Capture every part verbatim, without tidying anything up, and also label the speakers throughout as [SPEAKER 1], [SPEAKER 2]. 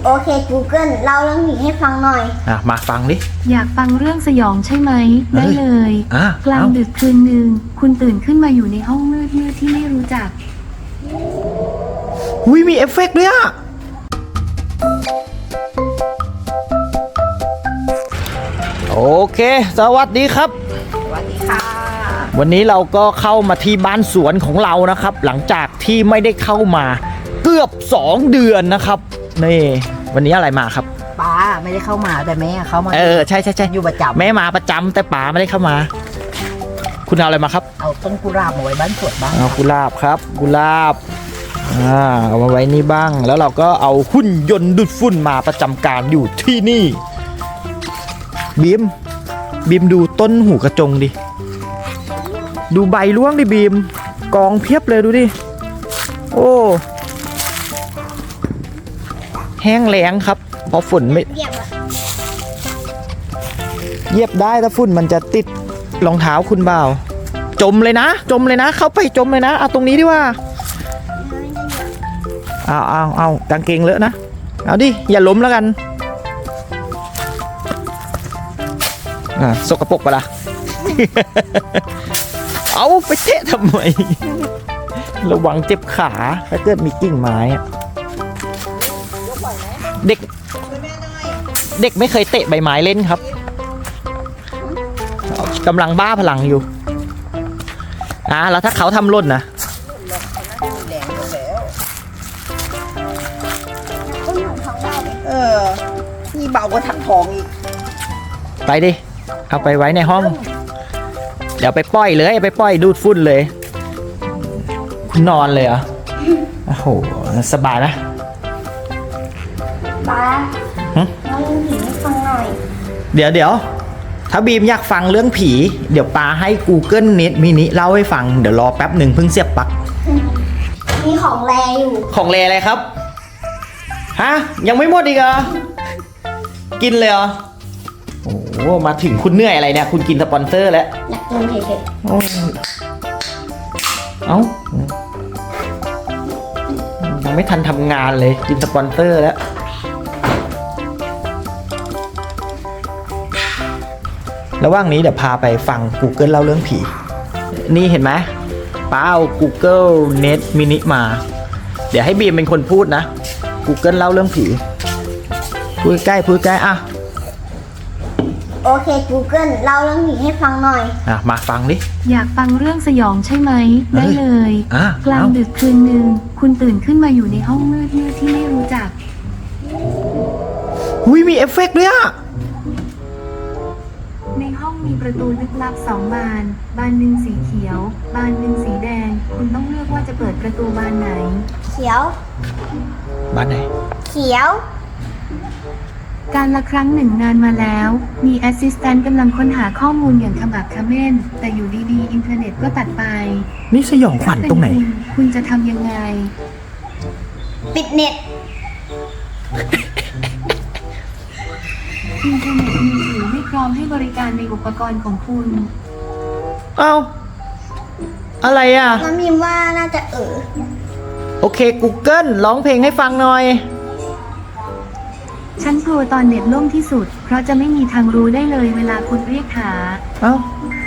[SPEAKER 1] โอเค Google เล่าเรื่องผีให้ฟังหน่อย
[SPEAKER 2] อ่ะมาฟังดิ
[SPEAKER 3] อยากฟังเรื่องสยองใช่ไหมได้เลย
[SPEAKER 2] อ่ะ
[SPEAKER 3] กลางดึกคืนหนึ่งคุณตื่นขึ้นมาอยู่ในห้องมืดมืดที่ไม่รู้จัก
[SPEAKER 2] อุ้ยมีเอฟเฟกต์ด้วยอ่ะโอเคสวัสดีครับ
[SPEAKER 1] สวัสดีค่ะ
[SPEAKER 2] วันนี้เราก็เข้ามาที่บ้านสวนของเรานะครับหลังจากที่ไม่ได้เข้ามาเกือบสองเดือนนะครับนี่วันนี้อะไรมาครับ
[SPEAKER 4] ป้าไม่ได้เข้ามาแต่แม่เข้ามา
[SPEAKER 2] เออใช่ใช่ใช่
[SPEAKER 4] อยู่ประจำ
[SPEAKER 2] แม่มาประจำแต่ป๋าไม่ได้เข้ามาคุณเอาอะไรมาครับ
[SPEAKER 4] เอาต้นกุหลาบมาไว้บ้านสวนบ้าง
[SPEAKER 2] เอากุหลาบครับกุหลาบอ่าเอามาไว้นี่บ้างแล้วเราก็เอาหุ่นยนต์ดูดฝุ่นมาประจำการอยู่ที่นี่บีมบีมดูต้นหูกระจงดิดูใบร่วงดิบีมกองเพียบเลยดูดิโอ้แห้งแล้งครับเพราะฝนไม่
[SPEAKER 1] เยียบอะ
[SPEAKER 2] เยียบได้ถ้าฝุ่นมันจะติดรองเท้าคุณเปล่าจมเลยนะจมเลยนะเข้าไปจมเลยนะเอาตรงนี้ดีว่าเอาเอาเอากางเกงเลอะนะเอาดิอย่าล้มแล้วกันอ่าสกปรกปะล่ะ เอาไปเตะทำไมระวังเจ็บขาถ้าเกิดมีกิ่งไม้เด็กเด็กไม่เคยเตะใบไม้เล่นครับกำลังบ้าพลังอยู่อ่าแล้วถ้าเขาทำหล่นนะ
[SPEAKER 4] เออนี่เบากว่าถังทองอีก
[SPEAKER 2] ไปดิเอาไปไว้ในห้องเดี๋ยวไปปล่อยเลยไปปล่อยดูดฝุ่นเลยคุณนอนเลยเหรอโอ้โหสบายนะ
[SPEAKER 1] ป้าเล่าเรื่องผีให้ฟังหน่อย
[SPEAKER 2] เดี๋ยวเดี๋ยวถ้าบีมอยากฟังเรื่องผีเดี๋ยวปาให้ Google Net Mini เล่าให้ฟังเดี๋ยวรอแป๊บหนึ่งเพิ่งเสียบปลั๊ก
[SPEAKER 1] มีของแรอยู่
[SPEAKER 2] ของแรอะไรครับฮะยังไม่หมดอีกเหรอกินเลยเหรอโอ้โหมาถึงคุณเหนื่อยอะไรเนี่ยคุณกินสปอนเซอร์แล้ว
[SPEAKER 1] อยากกินเฉย
[SPEAKER 2] ๆเอ้ายังไม่ทันทำงานเลยกินสปอนเซอร์แล้วระหว่างนี้เดี๋ยวพาไปฟัง Google เล่าเรื่องผีนี่เห็นไหมป้าเอา Google Net Mini มาเดี๋ยวให้บีมเป็นคนพูดนะ Google เล่าเรื่องผีพูดใกล้พูดใกล้อ่ะ
[SPEAKER 1] โอเค Google เล่าเรื่องผีให้ฟังหน่อย
[SPEAKER 2] อ่ะมาฟังดิ
[SPEAKER 3] อยากฟังเรื่องสยองใช่ไหมได้เลย
[SPEAKER 2] อ่ะ
[SPEAKER 3] กลางดึกคืนหนึ่งคุณตื่นขึ้นมาอยู่ในห้องมืดมืดที่ไม่รู้จัก
[SPEAKER 2] อุ้ยมีเอฟเฟกต์ด้วยอ่ะ
[SPEAKER 3] ในห้องมีประตูลึกลับสองบานบานหนึ่งสีเขียวบานหนึ่งสีแดงคุณต้องเลือกว่าจะเปิดประตูบานไหน
[SPEAKER 1] เขียว
[SPEAKER 2] บ้านไหน
[SPEAKER 1] เขียว
[SPEAKER 3] การละครั้งหนึ่งนานมาแล้วมีแอสซิสแตนต์กำลังค้นหาข้อมูลอย่างขมักเขม้นแต่อยู่ดีๆอินเทอร์เน็ตก็ตัดไป
[SPEAKER 2] นี่สยองขวัญตรงไหน
[SPEAKER 3] คุณคุณจะทำยังไง
[SPEAKER 1] ปิดเน็ต
[SPEAKER 3] อินเทอร์เน็ตมือถือไม่พร้อมให้บริการในอุปกรณ์ของคุณ
[SPEAKER 2] เอ้าอะไรอ่ะ
[SPEAKER 1] น้ำมิมว่าน่าจะเออ
[SPEAKER 2] โอเค Google ร้องเพลงให้ฟังหน่อย
[SPEAKER 3] ฉันกลัวตอนเน็ตล่มที่สุดเพราะจะไม่มีทางรู้ได้เลยเวลาคุณเรียกหา
[SPEAKER 2] เอ้า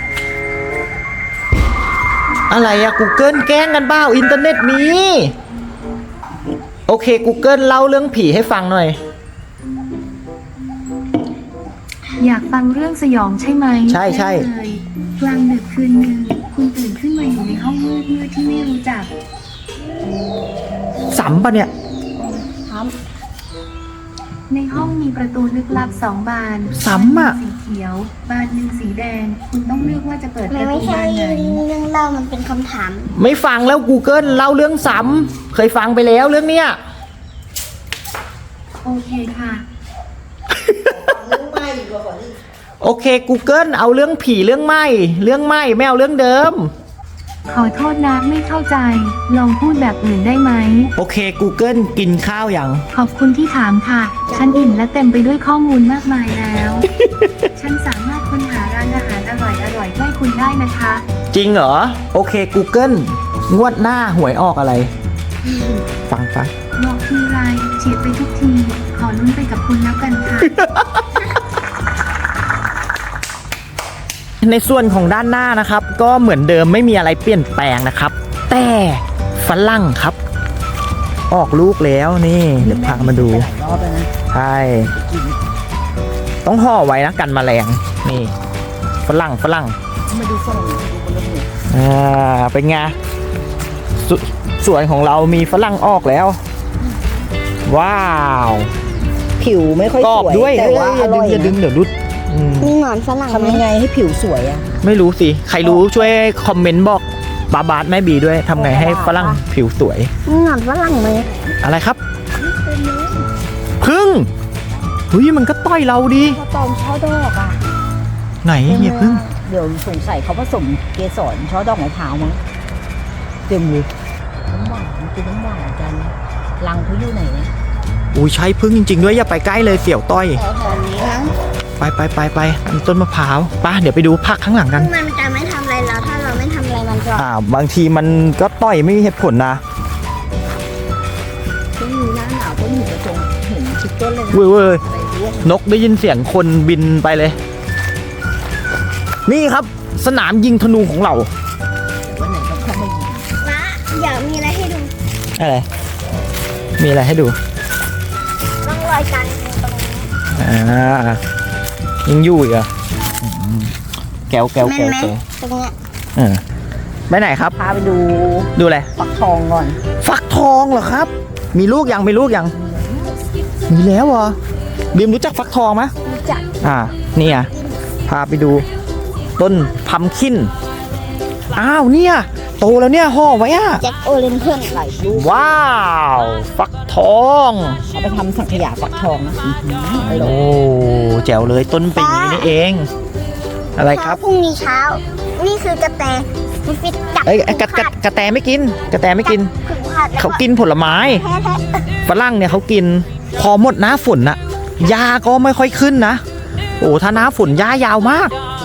[SPEAKER 2] อะไรอะ Google แกล้งกันเปล่าอินเทอร์เน็ตมีโอเค Google เล่าเรื่องผีให้ฟังหน่อย
[SPEAKER 3] อยากฟังเรื่องสยองใช่ไหม
[SPEAKER 2] ใช่ใช่
[SPEAKER 3] กลางดึกคืนหนึ่งคุณตื่นขึ้นมาอยู่ในห้องมืดมืดที่ไม่รู้จัก
[SPEAKER 2] ซ้ำปะเนี่ย
[SPEAKER 1] ซ้ำ
[SPEAKER 3] ในห้องมีประตูลึกลับสองบาน
[SPEAKER 2] ซ้ำอ่ะ
[SPEAKER 3] สีเขียวบานหนึ่งสีแดงคุณต้องเลือกว่าจะเปิดประตูบานไหน
[SPEAKER 1] เรื่องเล่ามันเป็นคำถาม
[SPEAKER 2] ไม่ฟังแล้ว Google เล่าเรื่องซ้ำเคยฟังไปแล้วเรื่องเนี้ย
[SPEAKER 3] โอเคค่ะ
[SPEAKER 2] โอเค Google เอาเรื่องผีเรื่องไหม้เรื่องไหม้ไม่เอาเรื่องเดิม
[SPEAKER 3] ขอโทษนะไม่เข้าใจลองพูดแบบอื่นได้ไหม
[SPEAKER 2] โอเค Google กินข้าวยัง
[SPEAKER 3] ขอบคุณที่ถามค่ะฉันอิ่มและเต็มไปด้วยข้อมูลมากมายแล้ว ฉันสามารถค้นหาร้านอาหารอร่อยๆใกล้คุณได้นะคะ
[SPEAKER 2] จริงเหรอโอเค Google งวดหน้าหวยออกอะไรฟังฟัง
[SPEAKER 3] บอกทีไรเฉียดไปทุกทีขอคุณแล้วกันค่ะ
[SPEAKER 2] ในส่วนของด้านหน้านะครับ ก็เหมือนเดิมไม่มีอะไรเปลี่ยนแปลงนะครับ แต่ฝรั่งครับ ออกลูกแล้วนี่เดี๋ยวพามาดู
[SPEAKER 4] หลายรอบแล้วนะ
[SPEAKER 2] ใช่ต้องห่อไว้นะกันแมลงนี่ฝรั่งฝรั่ง
[SPEAKER 4] มาดูฝรั่งดูบนรถเลย
[SPEAKER 2] อ่าเป็นไงสสวนของเรามีฝรั่งออกแล้ว ว้าว
[SPEAKER 4] ผิวไม่ค่อย
[SPEAKER 2] กรอบ
[SPEAKER 4] สวย
[SPEAKER 2] ด้วย
[SPEAKER 4] แต่ว่า
[SPEAKER 2] เอ้
[SPEAKER 4] อย ร่อย
[SPEAKER 2] อย่าดึงอย่าดึงเดี๋ยวรุดอืม
[SPEAKER 1] มีหนอนฝรั่งไหม
[SPEAKER 4] ทำยังไงให้ผิวสวยอ่ะ
[SPEAKER 2] ไม่รู้สิ ใครรู้ช่วยคอมเมนต์บอกบาบาสแม่บีด้วยทำไงให้ฝรั่งผิวสวย
[SPEAKER 1] มีหนอนฝรั่งไหม
[SPEAKER 2] อะไรครับพึ่งเฮ้ยมันก็ต่อยเราดิ
[SPEAKER 4] ข้าวตองช่อดอกอ่ะ
[SPEAKER 2] ไหนเฮียพึ่ง
[SPEAKER 4] เดี๋ยวสงสัยเขาผสมเกสรช่อดอกมะพร้าวมั้งเต็มเลยน้ำหวานกินน้ำหวานกันรังเขาอยู่ไหนเนี่ย
[SPEAKER 2] อุ้ยใช่พึ่งจริงๆด้วยอย่าไปใกล้เลยเสี่ยวต้อย
[SPEAKER 1] แถวๆนี้มั้ง
[SPEAKER 2] ไปไปไปไปมีต้นมะพร้าวไปเดี๋ยวไปดูผักข้างหลังกัน
[SPEAKER 1] มันจะไม่ทำอะไรเราถ้าเราไม่ทำอะไรมันจะ
[SPEAKER 2] อ่าบางทีมันก็ต่อยไม่มีเหตุผลนะ
[SPEAKER 4] ช่วงนี้หน้าหนาวก็อยู่กระจงเห็นทุกต้นเลยนะ
[SPEAKER 2] เว้ยเว้ย
[SPEAKER 4] อะไรร่วง
[SPEAKER 2] นกได้ยินเสียงคนบินไปเลย นี่ครับสนามยิงธนูของเรา
[SPEAKER 4] วันไหนก็เข้ามายิง
[SPEAKER 1] นะเดี๋ยวมีอะไรให้ดู
[SPEAKER 2] อะไรมีอะไรให้ดู
[SPEAKER 1] ต้องรอยกันตรงนี้
[SPEAKER 2] อ่ายังอยู่อีกเหรอ่ะแก้วแก้ว
[SPEAKER 1] แม่
[SPEAKER 2] แก้
[SPEAKER 1] น
[SPEAKER 2] ว
[SPEAKER 1] ไหม
[SPEAKER 2] แก้ว
[SPEAKER 1] ตรงเนี้ย
[SPEAKER 2] เออไปไหนครับ
[SPEAKER 4] พาไปดู
[SPEAKER 2] ดูอะไร
[SPEAKER 4] ฟักทองก่อน
[SPEAKER 2] ฟักทองเหรอครับ มีลูกยังมีลูกยังมีแล้วเหรอบีมรู้จักฟักทองไหม
[SPEAKER 1] รู้จัก
[SPEAKER 2] อ่านี่ไงพาไปดูต้นพัมคินอ้าวเนี่ยโตแล้วเนี่ยห่อไว้อะ
[SPEAKER 1] แจ็คโอเลนเทิร์น
[SPEAKER 4] หลายลูก
[SPEAKER 2] ว้าวฟักทอง
[SPEAKER 4] เอาไปทำสังขยาฟักทองนะอื้อหืออร่อย
[SPEAKER 2] โอ้แจ๋วเลยต้นเป็นอย่างนี้นี่เอง อะไรครับ
[SPEAKER 1] พรุ่งนี้เช้า นี่คือกระแตฟิตฟิตจับ
[SPEAKER 2] เอ้ยกระกระกระแตไม่กิน กระแตไม่กิน
[SPEAKER 1] ขึงขาดแล้ว
[SPEAKER 2] เขากินผลไม้
[SPEAKER 1] แท้แท้
[SPEAKER 2] ฝรั่งเนี่ยเขากินพอหมดหน้าฝนน่ะหญ้าก็ไม่ค่อยขึ้นนะโอ้ถ้าหน้าฝนหญ้ายาวมาก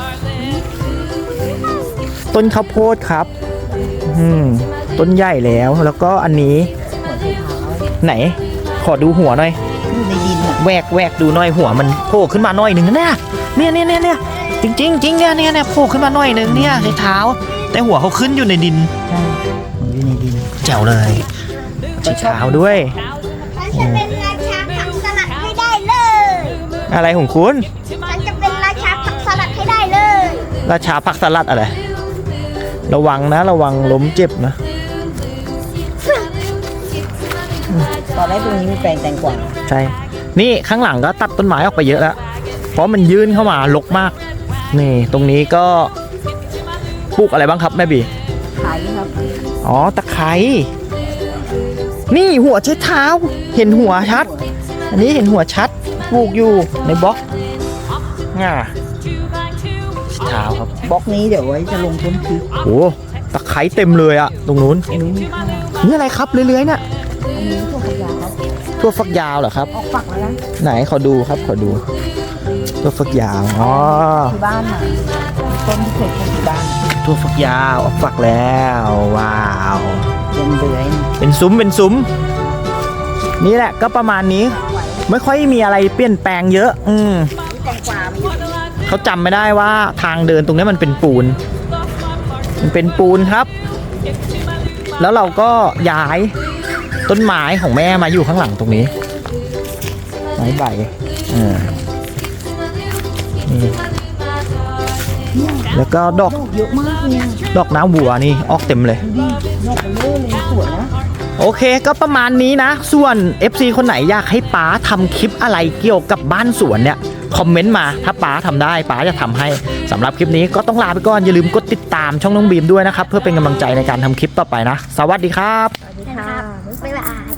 [SPEAKER 2] ต้นข้าวโพดครับอืมต้นใหญ่แล้วแล้วก็อันนี้
[SPEAKER 4] หัวไชเท้า
[SPEAKER 2] ไหน ขอดูหัวหน่อย
[SPEAKER 4] อยู่ในดินอ่ะ
[SPEAKER 2] แหวกแหวกดูหน่อยหัวมันโผล่ขึ้นมาหน่อยหนึ่งนะเนี่ยเนี่ยเนี่ยเนี่ยเนี่ยจริงจริงจริงเนี่ยเนี่ยเนี่ยโผล่ขึ้นมาหน่อยหนึ่งเนี่ยในเท้า แต่หัวเขาขึ้นอยู่ในดิน
[SPEAKER 4] ใช่อยู่ในดิน
[SPEAKER 2] แจ๋วเลยชี้เท้าด้วย
[SPEAKER 1] ฉันจะเป็นราชาผักสลัดให้ได้เลย
[SPEAKER 2] อะไรของคุณ
[SPEAKER 1] ฉันจะเป็นราชาผักสลัดให้ได้เลย
[SPEAKER 2] ราชาผักสลัดอะไรระวังนะระวังล้มเจ็บนะ
[SPEAKER 4] ตอนแรกตรงนี้มีแปลงแตงกวา
[SPEAKER 2] ใช่นี่ข้างหลังก็ตัดต้นไม้ออกไปเยอะแล้วเพราะมันยื่นเข้ามารกมากนี่ตรงนี้ก็ปลูกอะไรบ้างครับแม่บี
[SPEAKER 4] ขายครับ
[SPEAKER 2] อ๋อตะไคร้นี่หัวเช็ดเท้า เห็นหัวชัด อันนี้เห็นหัวชัดปลูกอยู่ในบล็อกง่าเท้าครับ
[SPEAKER 4] บล็อกนี้เดี๋ยวไว้จะลงต้นพริก
[SPEAKER 2] โอ้ตะไคร้เต็มเลยอะตรงนู้น
[SPEAKER 4] อันนี้มีข้าว
[SPEAKER 2] นี่อะไรครับเลื้อยๆเนี่ย
[SPEAKER 4] อันนี้ถั่วฝักยาวครับ
[SPEAKER 2] ทั่วฟักยาวเหรอครับ
[SPEAKER 4] ออกฝักแล้วนะ
[SPEAKER 2] ไหนขอดูครับขอดูทั่วฟักยาวอ๋อ
[SPEAKER 4] ที่บ้านน่ะต้นที่เคยปลูกที่บ้าน
[SPEAKER 2] ทั่วฟักยาวออกฝักแล้วว้าว
[SPEAKER 4] ยังเดือย
[SPEAKER 2] เป็นซุ้มเป็นซุ้มนี่แหละก็ประมาณนี้ ไม่ค่อยมีอะไรเปลี่ยนแปลงเยอะ อืม
[SPEAKER 4] แตงกวามี
[SPEAKER 2] เขาจำไม่ได้ว่าทางเดินตรงนี้มันเป็นปูน มันเป็นปูนครับ แล้วเราก็ย้ายต้นไม้ของแม่มาอยู่ข้างหลังตรงนี้ ไม้ใบอ่านี่แล้วก็ดอก
[SPEAKER 4] ดอกเยอะมากเลยอะ
[SPEAKER 2] ดอกน้ำวัวนี่ออกเต็มเลย
[SPEAKER 4] ดูดิดอกเบลเลอร์เลยสวยนะ
[SPEAKER 2] โอเคก็ประมาณนี้นะ ส่วน เอฟ ซี คนไหนอยากให้ป๊าทำคลิปอะไรเกี่ยวกับบ้านสวนเนี่ย คอมเมนต์มาถ้าป๊าทำได้ป๊าจะทำให้สำหรับคลิปนี้ก็ต้องลาไปก่อน อย่าลืมกดติดตามช่องน้องบีมด้วยนะครับ เพื่อเป็นกำลังใจในการทำคลิปต่อไปนะ สวัสดีครับ
[SPEAKER 1] นะครับบ๊ายบาย